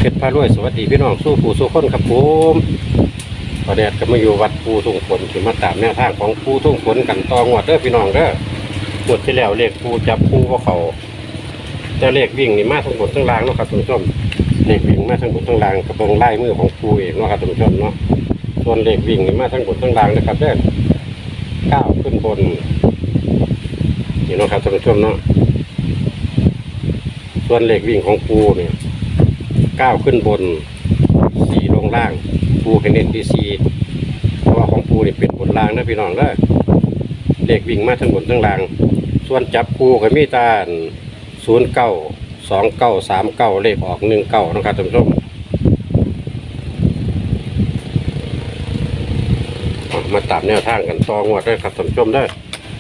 เพชรพารวยสวัสดีพี่น้องสู้ผู้สู้คนครับผมตอนนี้ก็มาอยู่วัดปูทุ่งฝนที่มาตามแนวทางของปูทุ่งฝนกันต่องวดเด้อพี่น้องเด้องวดที่แล้วเลขปูจับปูว่าเขาแต่เลขวิ่งนี่มาทั้งบนทั้งล่างเนาะครับท่านผู้ชมเลขวิ่งมาทั้งบนทั้งล่างกระเบื้องไล่มือของปูเองเนาะครับท่านผู้ชมเนาะส่วนเลขวิ่งนี่มาทั้งบนทั้งล่างนะครับเด้อก้าวขึ้นบนนี่เนาะครับท่านผู้ชมเนาะส่วนเลขวิ่งของปูเนี่ยก้าวขึ้นบนสี่ลงล่างปูเป็นเน้นที่สี่เพราะว่าของปูนี่เป็นบนล่างนะพี่น้องเด้อเลขวิ่งมาทั้งบนทั้งล่างส่วนจับปูก็มีตา092939เลขออก19นะครับท่านผู้ชมมาตามแนวทางกันต่องวดด้วยครับท่านผู้ชมได้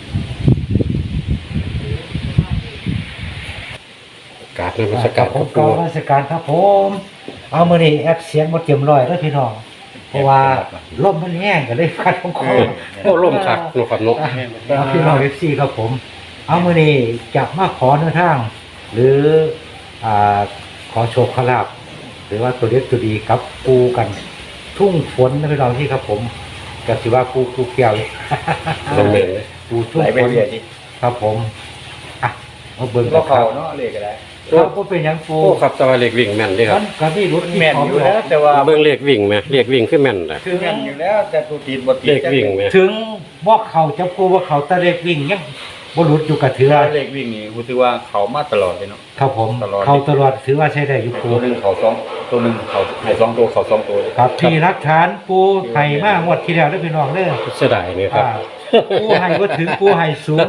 การนมัสการครับกราบนมัสการครับผมเอามื้อนี้แอปเสียงบ่เต็มร้อยเด้อพี่น้องเพราะว่าลมมันแห้งก็เลยฟัดของคอโอ้ล่มคักนกครับนกเอาพี่น้อง FC ครับผมเอามื้อนี้จะมาขอแนวทางหรือขอโชคขอลาภหรือว่าตัวเล็กตัวดีครับปูกันทุ่งฝนนะพี่น้องที่ครับผมก็สิว่าปูเกี่ยวลมเย็นเลยปูทุ่งไหลฝไปนเรื่อยดิครับผมอ่ะเอาเบิ่งก็คเขารับเนาะเลขอะไรครับบ่เป็นหยังปูโอ้ครับแต่ว่าเลขวิ่งแม่นเด้คมัรับนก็มีรถที่แม่นพร้อมอยู่แล้แล้ว วแต่ว่าเบิ่งเลขวิ่งไหมเลขวิ่งคือแม่นนะคือแม่นอยู่แล้วแต่ตัวติดบ่ติดเลขวิ่งไหมถึงบอกเขาจับกูว่าเขาตะเล็กวิ่งยังบรุษอยู่กับเถือเลขวิ่งนี่กูถือว่าเขามาตลอดเลยเนาะครับผมตลอดเขาตลอดถือว่าใช้ได้อยู่ปูตัวหนึงเขาสองตัวหนึงเขาให้สองตัวเขาสองตัวเลยครับที่รักฐานปูไห่มากงวดที่แล้วได้พี่น้องเด้อเสียดายนี่ครับปูไห่ก็ถึงปูไห่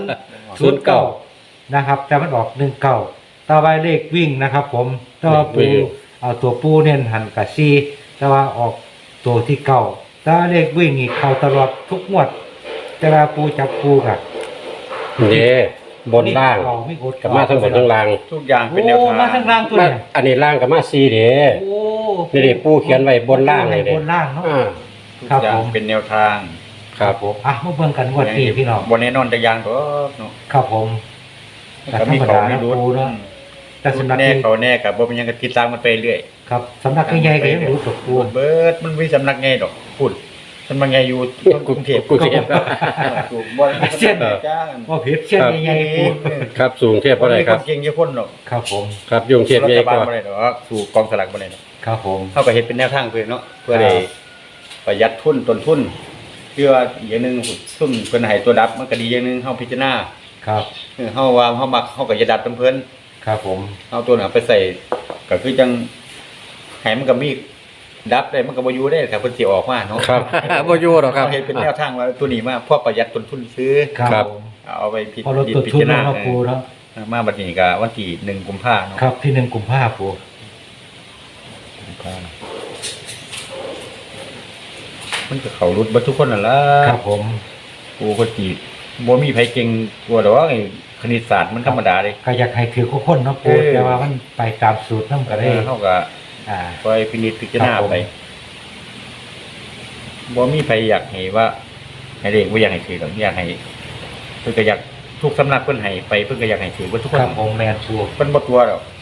09นะครับแต่มันออก19ต่อไปเลขวิ่งนะครับผมต่อปูเอาตัวปูเน้นหันกับซีแต่ว่าออกตัวที่เก่าแต่ว่าเลขวิ่งนี่เข้าตลอดทุกงวดแต่ว่าปูจับปูกับบนล่างไม่กดกับมาทั้งบนทั้งล่างทุกอย่างเป็นแนวโอ้ทางมาทั้งล่างตัวมาเนี่ยอันนี้ล่างกับมาซีเด้โอ้นี่ดิปูเขียนไว้บนล่างเลยเด้บนล่างเนาะอ่าทุกครับอย่างผมเป็นแนวทางครับผมอ่ะมาเบิ่งกันงวดนี้พี่น้องบ่แน่นอนแต่อย่างตัวเนาะครับผมก็มีเขามีรุดปูเนาะแต่สำนักแน่นี้เขาแน่กับบ่เป็นหยังก็ติดตามกันไปเรื่อยครับสำนักใหญ่ๆก็ยังรู้ตัวปูเบิดมันมีสำนักไงดอกพูดสำนักไงอยู่กรุงเทพกรุงเทพถูกบ่จ้างว่าเพชรเช่นใหญ่ๆปูครับสูงเทียบเท่าไหร่ครับนเก่งอยู่คนหรอกครับผมครับยุงเทียบรัใหญ่ฐบาก ลว่าบ่ได้ดอกสู่กองสลากบ่ได้ดอกครับผมเฮาก็เฮ็ดเป็นแนวทางเพิ่นเนาะเพื่อได้ครับประหยัดทุนต้นทุนเพื่ออย่างหนึงซุ่มเพิ่นให้ตัวดับมันก็ดีอย่างหนึงเฮาพิจารณาครับเฮาว่าเฮามักเฮาก็จะดับนำเพิ่นครับผมเอาตัวนั้นไปใส่ก็คือจังให้มันก็มีดับได้มันก็บ่อยู่ได้ครับเพิ่นสิออกมาเนาะครับบ่อยู่หรอกครับเาเฮ็ดเป็นแนวทางว่าตัวนี้มาเพื่อประหยัดต้นทุนซื้อครับผมเอาไปพิพอเราตรวจพิทุนจารแล้ณาวครับปูเนาะมาบัดนี้ก็วันที่1กุมภาพันธ์เนาะครับที่1 กุมภาพันธ์ปูมันก็เข้ารุดเบ่ทุกคนนั่นล่ะครับผมกูก็สิบ่มีไผเก่งกว่าดอกไอ้คณิตศาสตร์มันธรรมดาเด้ก็อยากให้ถือทุกคนเนาะปูเออแต่ว่ามันไปตามสูตรนำก็ได้เฮาก็อ่าคอยพินิจพิจารณาครับผมไปบ่มีไผอยากให้ว่าให้เด็กบ่อยากให้ถือดอกอยากให้เพิ่นก็อยากทุกสำนักเพิ่นให้ไปเพิ่นก็อยากให้ถือเบ่ทุกคคน รับผมแมนปูเพิ่นบ่ตัวดอก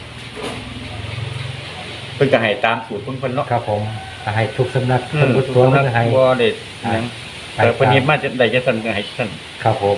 เพิ่นก็ให้ตามสูตรเพิ่นเนาะครับผมให้ทุกสำนักอืเพิ่นมบ่ตัวมันให้บ่ได้หยังไปแต่เพิ่นตามเฮ็ดมาจะได้จังซั่นก็ให้ซั่นครับผม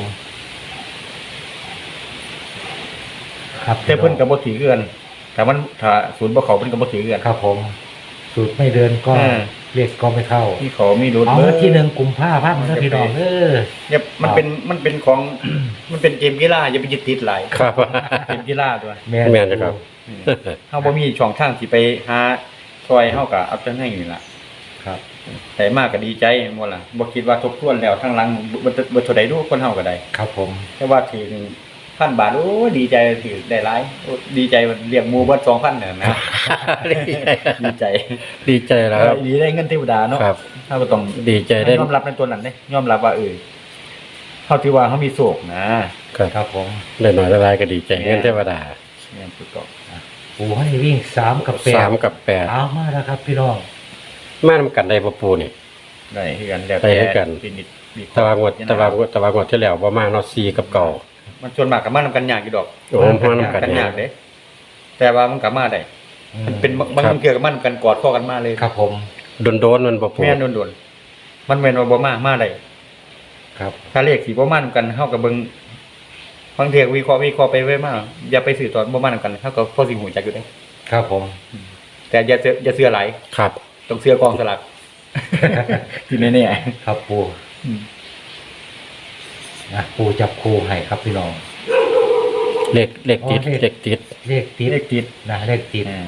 ครับแต่เพิ่นก็บ่ถือเกินแต่มันถ้าศูนย์บ่เข้าเพิ่นก็บ่ถือเกินครับผม สูตรไม่เดินก็อ่าเรียกก็ไม่เข้ามีเขามีรุดเอาเบิดที่1 กุมภาพันธ์นะพี่น้องเนี่ยมันเป็นของ มันเป็นเกมกีฬาอย่าไปยึดติดหลายครับเกมกีฬาตัวแม่นแม่นนะครับเฮาบ่มีช่องทางสิไปหาซอยเฮาก็เอาจังไห้นี่ล่ะครับแต่มากก็ดีใจบ่ล่ะบ่คิดว่าทบทวนแล้วทางหลังบ่เท่าใดดูคนเฮาก็ได้ครับผมแต่ว่าถือ1,000 บาทโอ้ดีใจถือได้หลายโอ้ดีใจเรียกหมู่เบิด 2,000น่ะนะดีใจดีใจแล้วครับดีได้เงินเทวดาเนาะครับเฮาก็ต้องดีใจได้ยอมรับในตัวนั้นเด้ยอมรับว่าเฮาถือว่าเฮามีโชคนะครับครับผมได้หน่อยละลายก็ดีใจเงินเทวดาแม่นถูกต้องปูให้วิ่ง3 กับ 8 3 กับเอามาแล้วครับพี่น้อง 8มานำกันได้บ่ปูนี่ได้คือกันแล้วได้คือกันพินิจวิเคแต่ราะห์ว่างวดแต่ว่างวดที่แล้วบ่มาเนาะ4กับเก่ามันส่วนมากก็มานำกันยากอยู่ดอกโอ้มานำกันกันเนี่ยยากเด้แต่ว่ามันก็มาได้มันเป็นบางเกี่ยวกับมันกันกอดข้อกันมาเลยครับผมโดนมันบ่ปูแม่นโดนๆมันแม่นว่าบ่มาได้ครับถ้าเลขสิบ่มานำกันเฮาก็เบิ่งบางเที่ยวิเคราะห์ไปไว้มาอย่าไปสื่อตอนบ่มานำกันเฮาก็พอสิฮู้จักอยู่เด้ครับผมแต่อย่าเชื่อหลายครับต้องเชื่อกองสลาก ที่แน่ครับปูๆอืมนะปูจับคู่ให้ครับพี่น้องเลขติดอ๋อเลขติดเลขติดเลขติดนะเลขติดอ่า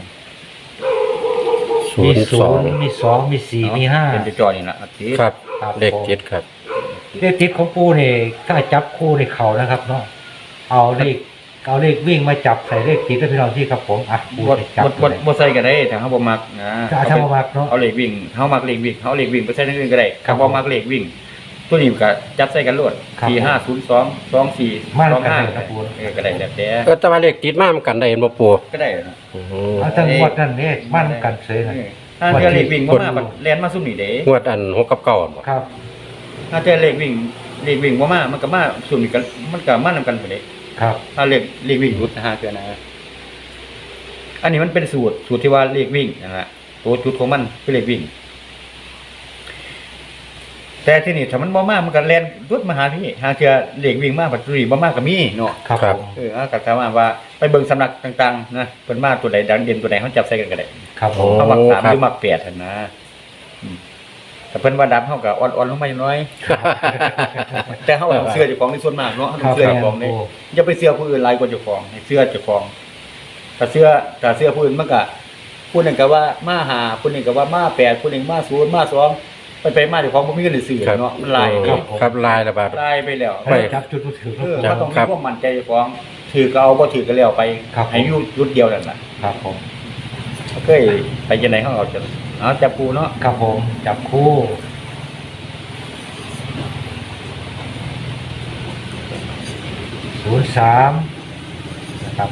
มีศู 02 นย์มีสองมีสี่มีห้าเป็นจอนี่ล่ะติดครับครับเลขติดครับเลขติดของปูนี่ถ้าจับคู่ในเขานะครับเนาะเอาเลขวิ่งมาจับใส่เลขติดแล้วพี่น้องที่ครับผมอ่ะปูบ่จะจับบ่ใส่ก็ได้ถ้าเฮาบ่มักนะถ้าบ่มักเนาะเอาเลขวิ่งเฮามักเลขวิ่งเฮาเลขวิ่งไปใส่ในอื่นก็ได้ครับถ้าบ่มักเลขวิ่ง ตัวนี้ก็จับใส่กันโลดครับ 4502 24 มาแล้วกันได้ครับ 25 ผมก็ได้แล้วแต่แต่ว่าเลขติดมามันกันได้เห็นบ่ปูก็ได้นะอืมเอาทั้งหมดนั่นเนี่ยมั่นกันเสยนะถ้าเจอเลขวิ่งบ่มามันแล่นมาซุ่มนี่เด้งวดอัน6กับ9บ่ครับถ้าเจอเลขวิ่งบ่มามันก็มาซุ่มนี่กันมันก็มานำกันพุ่นเด้ครับถ้าเลขวิ่งรุดนะฮะเทื่อนะอันนี้มันเป็นสูตรที่ว่าเลขวิ่งนั่นล่ะตัวจุดของมันคือเลขวิ่ง แต่ที่นี่ถ้ามันบ่มามันก็แล่นรุดมาหาพี่หาเทื่อเลขวิ่งมาบัดนี้บ่มาก็มีเนาะครับผมก็ถามว่าไปเบิ่งสำนักต่างๆนะเพิ่นมาตัวใดดังเด่นตัวใดเฮาจับใส่กันก็ได้ครับผมเฮามัก3หรือมัก8หั่นนะแต่เพิ่นว่าดับเฮาก็อ่อนๆลงมาอย่างน้อย แต่เฮาต้องเชื่อเจ้าของในส่วนมากเนาะเฮาต้องเชื่อเจ้าของนี่อย่าไปเชื่อผู้อื่นหลายกว่าเจ้าของให้เชื่อเจ้าของถ้าเชื่อผู้อื่นมันก็ผู้หนึงก็ว่ามา5ผู้หนึงก็ว่ามา8ผู้หนึงมา0มา2ไปมาเจ้าของบ่มีเงินซื้อเนาะมันหลายครับลายละบาทหลายไปแล้วไปจับจุดมือถือมันต้องมีความมั่นใจเจ้าของถือก็เอาบ่ถือก็แล้วไปครับให้อยู่จุดเดียวนั่นน่ะครับผมเคยไปจังได๋เฮาเอาจังเอาจับปูเนาะครับผมจับคู่03นะครับ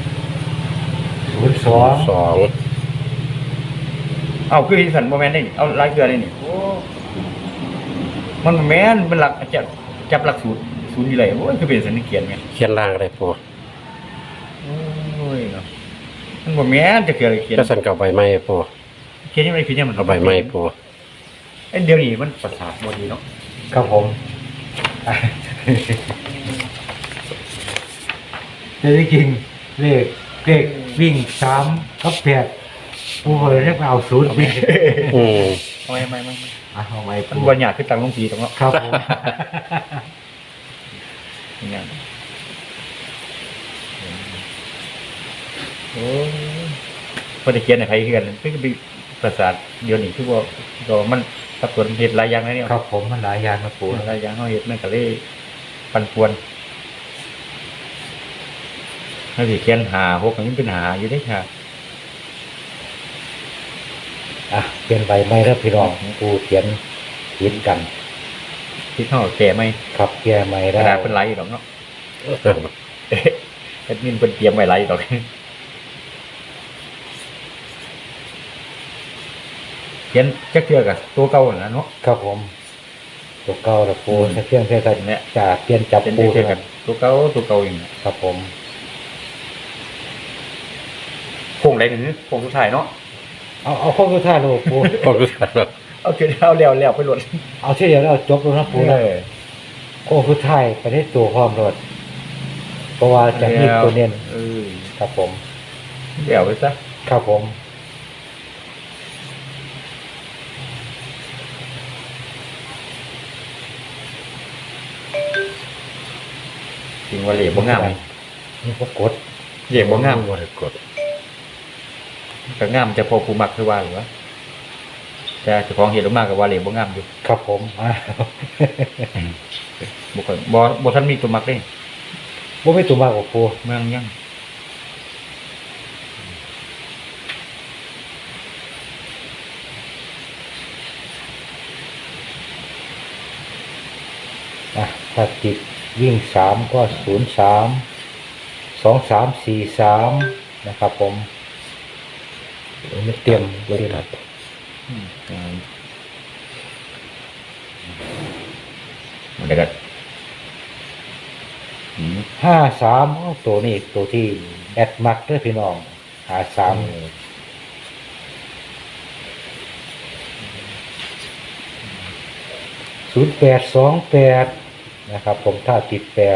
02 2 เอาคือที่สันบ่แม่นได้นี่เอาหลายเทื่อได้นี่โอ้มันบ่แม่นมันหลักจับหลักสูตรนี่เลยโอ้ยคือเป็นสันนิเกียนแม่นเขียนล่างได้ปูโอ้ยเนาะมันบ่แม่นจะเกิดอะไรเขียนก็สั่นเก่าใบไม้ปูเขียนยังไงเขียนยังมันเอาใบไม้ปูไอ้เดี๋ยวนี้มันประสาทบ่ดีเนาะครับผมแต่จริงๆเลขวิ่ง3กับ8ผู้เลยเรียกว่าเอา0วิ่งอืมไม่เอาไว้มันบ่ยากคือตังลงทีตรงเนาะครับผมอย่างโอ้พอได้เขียนให้ใครเขียนคือเป็นประสาทเดี๋ยวนี้คือว่าก็มันสับสนเฮ็ดหลายอย่างแล้วเนี่ยครับผมมันหลายอย่างนะปูหลายอย่างเฮาเฮ็ดมันก็เลยปั่นป่วนเฮาสิเขียน5 6มันเป็นหาอยู่เด้ค่ะอ่ะเปลี่ยนใบไม้แล้วพี่น้องปูเขียนผิดกันที่เฮาแก้ไหมครับแก้ไม้กได้ระดาษเพิ่นหลายอยู่ดอกเนาะแอดมินเพิ่นเตรียมไว้หลายอยู่ดอกเขียนจักเทื่อก็ตัวเก่านั่นล่ะเนาะครับผมตัวเก่าละปูถ้าเพียงแค่กันเนี่ยจะเปลี่ยนจับเป็นปูเทื่อกันตัวเก่าอย่างนี้ครับผมโค้งใดหนึ่งโค้งสุดท้ายเนาะเอาข้อสุดท้ายเลยปูก็รู้สึกแบบเอาคือเอาแล้วไปหลดเอาที่เดียวแล้วจบแล้วนะปูนะข้อสุดท้ายไปได้ตัวพร้อมรถเพราะว่าจะมีตัวเน้น ครับผมเดี๋ยวไปซะครับผมจริงว่าเหลี่ยมบ่งามนี่ก็กดเหลี่ยมบ่งามบ่ได้กดก็งามจะพอผู้มักคือว่าหรือวะแต่เจ้าของเห็นออกมาก็ว่าเหลี่ยมบ่งามอยู่ครับผมอ่ะบ่ค่อยบ่ทันมีตัวมักเด้บ่ไม่ตัวมากกว่าปูเมืองยังอ่ะถ้าติดวิ่ง3ก็03 2343นะครับผมไม่เตรียมไม่ตัดมันได้ก็ 53ตัวนี้ตัวที่แอดมักเด้อพี่น้อง53 0828นะครับผมถ้าติด8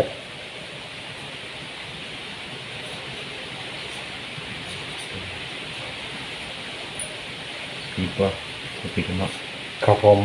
ปีกว่าปีกเนาะครับผม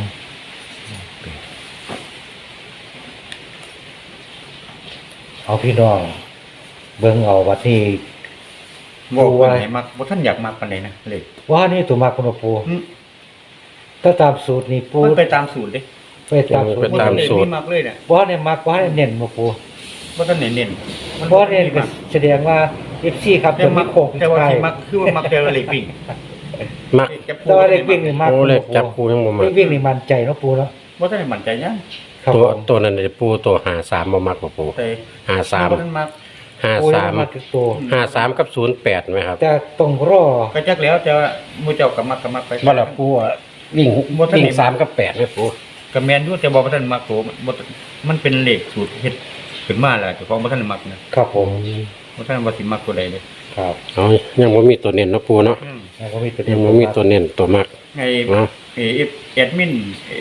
เอาพี่น้องเบิ่งเอาวัดนี้บอกว่าไหนมักบ่ท่านอยากมักปานใดนะเลยว่านี่ตัวมาคุณปู ถ้าตามสูตรนี่ปูมันไปตามสูตรเด้ไปตามสูตรไปตามสูตรไม่มักเลยเนี่ยว่าเนี่ยมักว่าเนี่ยเน้นมาปูบ่ท่านเน้นมันเพราะเนี่ยก็แสดงว่า FC ครับแต่จะมัมีกโค้งแต่ว่าใช่ที่มักคือว่ามักแต่เล็กวิ่งมักแต่ว่าเล็กวิ่งนี่มักโอ้เลขจับปูยังบ่มัเล็กกวิ่งนี่มั่นใจเนาะปูเนาะบ่ท่านมั่นใจยังครับตัวผมตัวนั้นเนี่ยปูตัว53บ่มักบ่ปูแต่ 53 บ่ท่านมักโอ้ยมักทุกตัว 53กับ08ไหมครับแต่ต้องรอก็จักแล้วแต่ว่าหมู่เจ้าก็มักไปบ่ล่ะปูอะวิ่งบ่ทันวิ่งเห็น 3กับ8ไหมปูก็แม่นอยู่แต่บ่ท่านมักตัวมันเป็นเลขสูตรเฮ็ดขึ้นมาแล้วเจ้าของบ่ท่านมักนะครับผมบ่ท่านว่าสิมักตัวใดเลยครับเอายังบ่มีตัวเน้นเนาะปูเนาะแล้วก็มีตัวยังบ่มีตัวเน้นตัวมักไงเนาะแอดมิน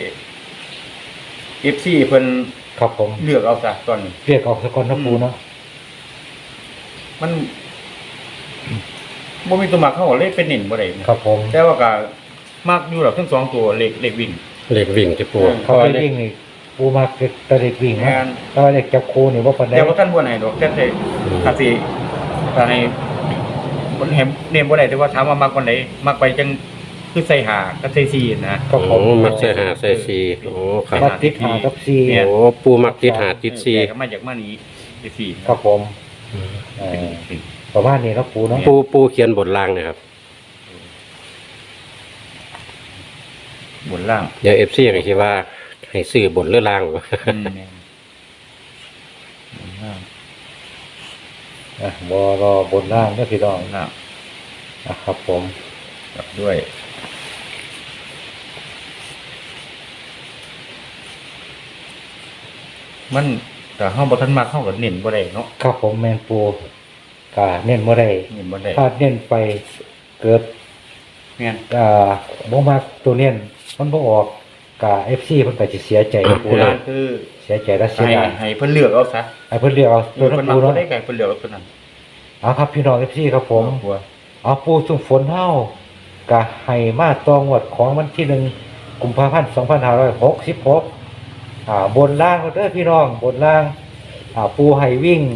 FC เพิ่นครับผมเลือกเอาซะตอนนี้เรียกออกสกอนเนาะปูเนาะมันบ่มีตัวมักเขาก็เลยเป็นเน้นบ่ได้นะครับผมแต่ว่าก็มักอยู่หรอกทั้งสองตัวเลขวิ่งเลขวิ่งที่ปูเขาไปวิ่งนี่ปูมักแต่เล็กวิ่งแม่นะนแต่ว่าเล็กจับคูนี่ว่าปานใดแต่ว่าท่านบ่ให้ดอกแต่ถ้าสิถ้าให้บ่ให้เน้นบ่ได้แต่ว่าถามว่ามักวันใดมักไปจังคือใส่หากับใส่ซีนะครับผโอ้มมักใส่หาใส่สีโอ้ครับมักติดหากับซีแม่นโอ้ปูมักติดหาติดสีก็มาจากมานี้ใส่ซีครับผมประมาณนี้เนาะปูเนาะปูเขียนบทล่างเนะครับบนล่างเดี๋ยว FC ก็คิดว่าให้ซื้อบทหรือล่างวะแม่นบนล่างบ่รอบนล่างเด้อพี่น้องบนล่างนะครับผมกลับด้วยมันแต่เฮาบ่ทันมักเฮาก็เน้นบ่ได้เนาะครับผมแมนปูกะเน้นบ่ได้เน้นบ่ได้ถ้าเน้นไปเกิดแม่นบ่มักตัวเน้นมันบ่ออกกะ FC เพิ่นก็สิเสียใจนะปูโบรานะณคือเสียใจและเสียให้ดายให้เพิ่นเลือกเอาซะให้เพิ่นเรียกเอาตัวเพิ่นั้น นมักปูบ่เนาะได้ก็ให้เพิ่นเลือกเอาตัวนั้นเอาครับพี่น้อง FC ครับผมกลัวเอาปูสุ่มฝนเฮากะให้มาตองวดของวันที่1กุมภาพันธ์2566บนล่างเด้อพี่น้องบนล่างปูให้วิ่ง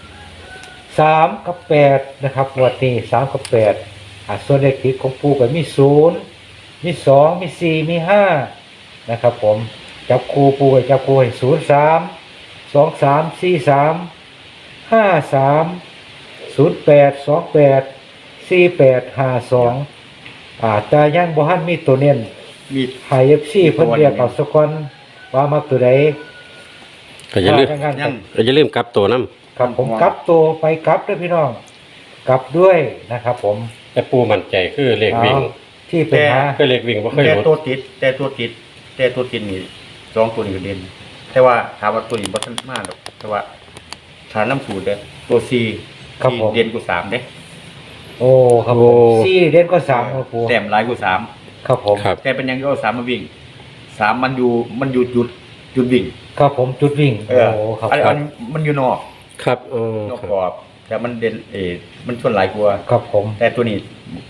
3กับ8นะครับงวดนี้3กับ8ส่วนเลขติดของปูก็มี0มี2มี4มี5นะครับผมจับคูปูก็จับคูให้03 23 43 53 08 28 48 52แต่ยังบ่ทันมีตัวเน้นมีไฮ FC เพิ่นเรียกเอาสกอนว่ามาตัวใดก็อย่าลืมว่าจังงั้นยังก็อย่าลืมกลับตัวน้ครับผมกลับตัวไปกลับด้วยพี่น้องกลับด้วยนะครับผมำแต่ปูมั่นใจคือเลขวิ่งเอาที่เป็นหาคือเลขวิ่งบ่เคยแต่หลุดตัวติดนี่สองตัวนี้ก็เด่นแต่ว่าถามว่าตัวนี้บ่ทันมาดอกแต่ว่าฐานน้ำสูตรเด้อตัว4ที่เด่นกว่า3เด้โอ้ครับผมสี่เด่นก็สามครับปูแต้มหลายกว่าครับผมครับ 3แต่เป็นยังก็เอา3มาวิ่ง3มันอยู่จุดวิ่งครับผมจุดวิ่งเออโอ้ครับอันครัอับนมันอยู่นอกครับนอกครับกรอบแต่มันเด่นมันส่วนหลายกว่าครับผมแต่ตัวนี้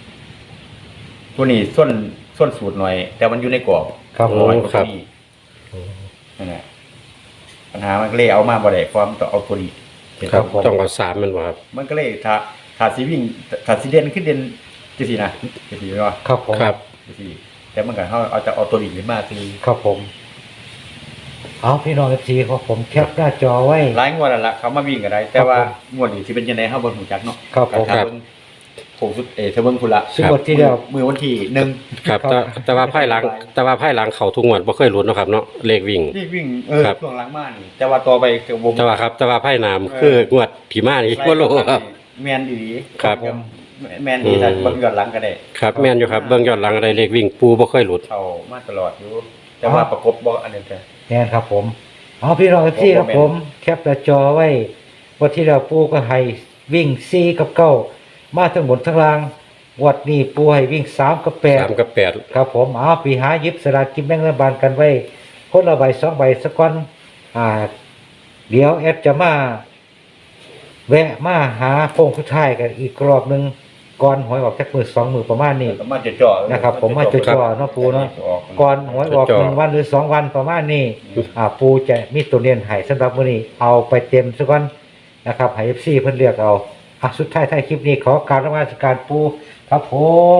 ส่วนสูตรหน่อย แต่มันอยู่ในกรอบครับผน้มอยกว่าตัวนี้นั่นแหละปัญหามันก็เลยเอามาบ่ได้ความต้องเอาตัวนี้ครับต้องเอา3มันบ่ครับมันก็เลยถ้าสิวิ่งถ้าสิเด่นขึ้นเด่นจังซี่นะจังซี่เนาะครับผมครับจังซี่แต่มันก็เฮาเอาจะเอาตัวนี้ขึ้นมาคือครับผมเอาพี่น้อง FC ของผมแคปหน้าจอไว้หลายงวดแล้วล่ะเขามาวิ่งก็ได้ แต่ว่างวดนี้สิเป็นจังได๋เฮาบ่รู้จักเนาะครับผมก็ถ้าเบิ่งโคงสุดถ้าเบิ่งพุ่นละซึ่งบทที่เดียวมือวันที่1 ครับแต่ว่าไพ่หลังเข้าทุกงวดบ่เคยหลุดเนาะครับเนาะเลขวิ่งที่วิ่งครับช่วงหลังมานี่แต่ว่าต่อไปก็บ่แต่ว่าไพ่นามคืองวดที่มานี่บ่รู้ครับแม่นอีหลีครับแม่นอีถ้าเบิ่งย้อนหลังก็ได้ครับแม่นอยู่ครับเบิ่งย้อนหลังอะไรเลขวิ่งปูบ่เคยหลุดเข้ามาตลอดอยู่ แต่ว่าประกบบ่อันนี้แต่แน่นครับผมเอาพี่น้อง FC ครับผมแคปหน้าจอไว้วันที่เราปูก็ให้วิ่ง4กับ9มาทั้งบนทั้งล่างวัดนี้ปูให้วิ่ง3กับ8 3กับ8 ครับผมเอาไปหาหยิบสลากกินแบ่งรัฐบาลกันไว้พคนละใบ2 ใบสักก่อนเดี๋ยวแอดจะมาแวะมาหาโค้งสุดท้ายกันอีกรอบหนึงก่อนหวยออกจากมือ2 มือประมาณนี้ก็มาจะจ่อนะครับผมมาจ่อๆเนาะปูเนาะก่อนหวยออก1 วันหรือ2 วันประมาณนี้ปูจะมีตัวเรียนให้สำหรับมื้อนี้เอาไปเต็มซะก่อนนะครับให้ FC เพิ่นเลือกเอาสุดท้ายท้ายคลิปนี้ขอกราบนมัสการปูครับผม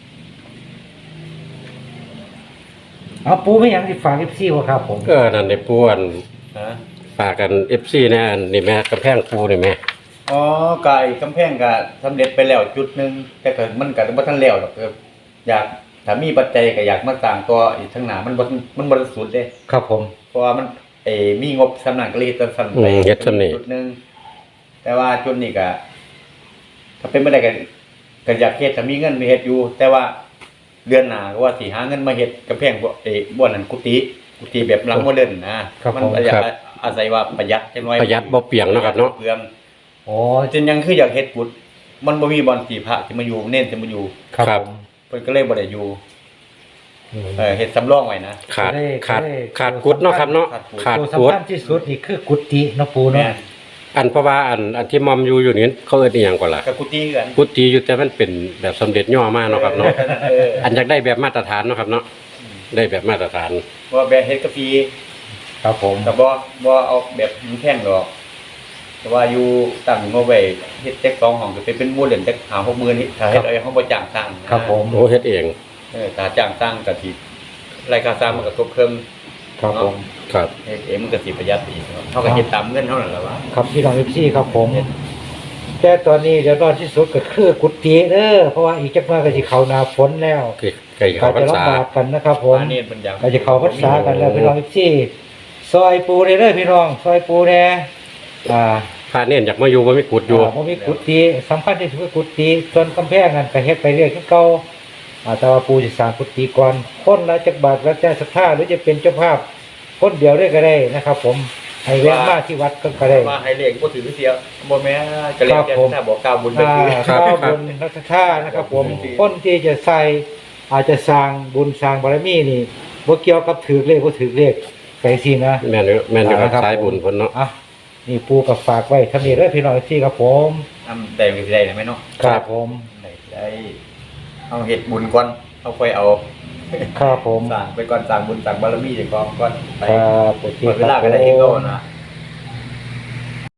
ปูไม่หยังสิฝาก FC บ่ครับผมก็นั่นได้ปูอันฮะฝากกัน FC แน่อันนี่แม่กำแพงปูนี่แม่อ๋อกายกำแพงก็สำเร็จไปแล้วจุดหนึงแต่ก็มันก็บ่ทันแล้วหรอกอยากถ้ามีปัจจัยก็อยากมาสร้างต่ออีกข้างหน้ามันบ่สุดเด้ครับผมเพราะว่ามันมีงบสำนักก็เลยเฮ็ดสั่นไปเฮ็ดซั่นนี่จุดหนึงแต่ว่าจุดนี้ก็ถ้าเป็นบ่ได้ก็อยากเฮ็ดถ้ามีเงินไปเฮ็ดอยู่ แต่ว่าเดือนหน้าก็ว่าสิหาเงินมาเฮ็ดกำแพงบ่นั้นกุฏิแบบหลังโมเดิร์นนะครับผมมันอยากอาศัยว่าประหยัดจังน้อยประหยัดบ่เปียงเนาะครับเนาะเปลืองโอ้จนยังคืออยากเฮ็ดบุญมันบ่มีบ่อนที่พระที่มาอยู่เน้นที่มาอยู่ครับผมเพิ่นก็เลยบ่ได้อยู่อืมเฮ็ดสำรองไว้นะขาดกุดเนาะครับเนาะขาดตัวกุดสำคัญที่สุดนี่คือกุฏิเนาะปูแม่เนาะอันเพราะว่าอันที่มอมอยู่นี่เขาเอิ้นอีหยังก่อนล่ะกับกุฏิกันกุฏิอยู่แต่มันเป็นแบบสำเร็จย่อมาเนาะครับเนาะเอออันอยากได้แบบมาตรฐานเนาะครับเนาะได้แบบมาตรฐานว่าแบบเฮ็ดกาแฟครับผมก็บ่เอาแบบมันแพงดอกแต่ว่าอยู่ตั้งงบไว้เฮ็ดแจ็ค2ห้องก็เป็นมูลเหรียญจัก5-6 มื้อนี่ถ้าเฮ็ดเอาเฮาบ่จ้างสร้างนะครับผมโอ้เฮ็ดเองถ้าจ้างสร้างก็สิรายค่าสร้างมันก็ตกเพิ่มครับผมครับเฮ็ดเองมันก็สิประหยัดอีกเฮาก็เฮ็ดตามเงินเฮานั่นแหละว่าครับพี่น้องพี่ครับผม แต่ตอนนี้เดี๋ยวรอดที่สุดก็คือกุฏิเด้อเพราะว่าอีกจักหน่อยก็สิเข้าหน้าฝนแล้วคือไก่ก็เขาพรรจะษาลำบากกันนะครับผมอันนี้เพิ่นอยากก็จะเข้าพรรษากันแล้วพี่น้องพี่ซอยปูเด้อพี่น้องซอยปูแน่อ่าพระเน้นอยากมาอยู่บ่มีกุดอยู่บ่มีกุฏิสำคัญที่สุดคือกุฏิส่วนกำแพงนั่นก็เฮ็ดไปเรื่อยคือเก่าแต่ว่าปูสิสร้างกุฏิก่อนคนละจักบาทแล้วแต่ศรัทธาหรือจะเป็นเจ้าภาพคนเดียวได้ก็ได้นะครับ ผมให้แวะมาที่วัดก็ได้ว่าให้เลขบ่ถือเสียบ่แม่ก็เลขแค่ถ้าบอกกล่าวบุญไปคือครับข้าวบุญรัชทานะครับ ผมคนที่จะใส่อาจจะสร้างบุญสร้างบารมีนี่บ่เกี่ยวกับถือเลขบ่ถือเลขไปสินะแม่นอยู่กับสายบุญเพิ่นเนาะอ่ะนี่ปูกับฝากไว้ทำนี้เด้อพี่น้องที่ครับผมได้ก็สิได้แม่เนาะครับผมได้เอาเฮ็ดบุญก่อนเอาค่อยเอาครับผมสร้างไปก่อนสร้างบุญสร้างบารมีเจ้าของก่อนไปครับโอเคหมดเวลาคก็รับได้ผเองก็มนะ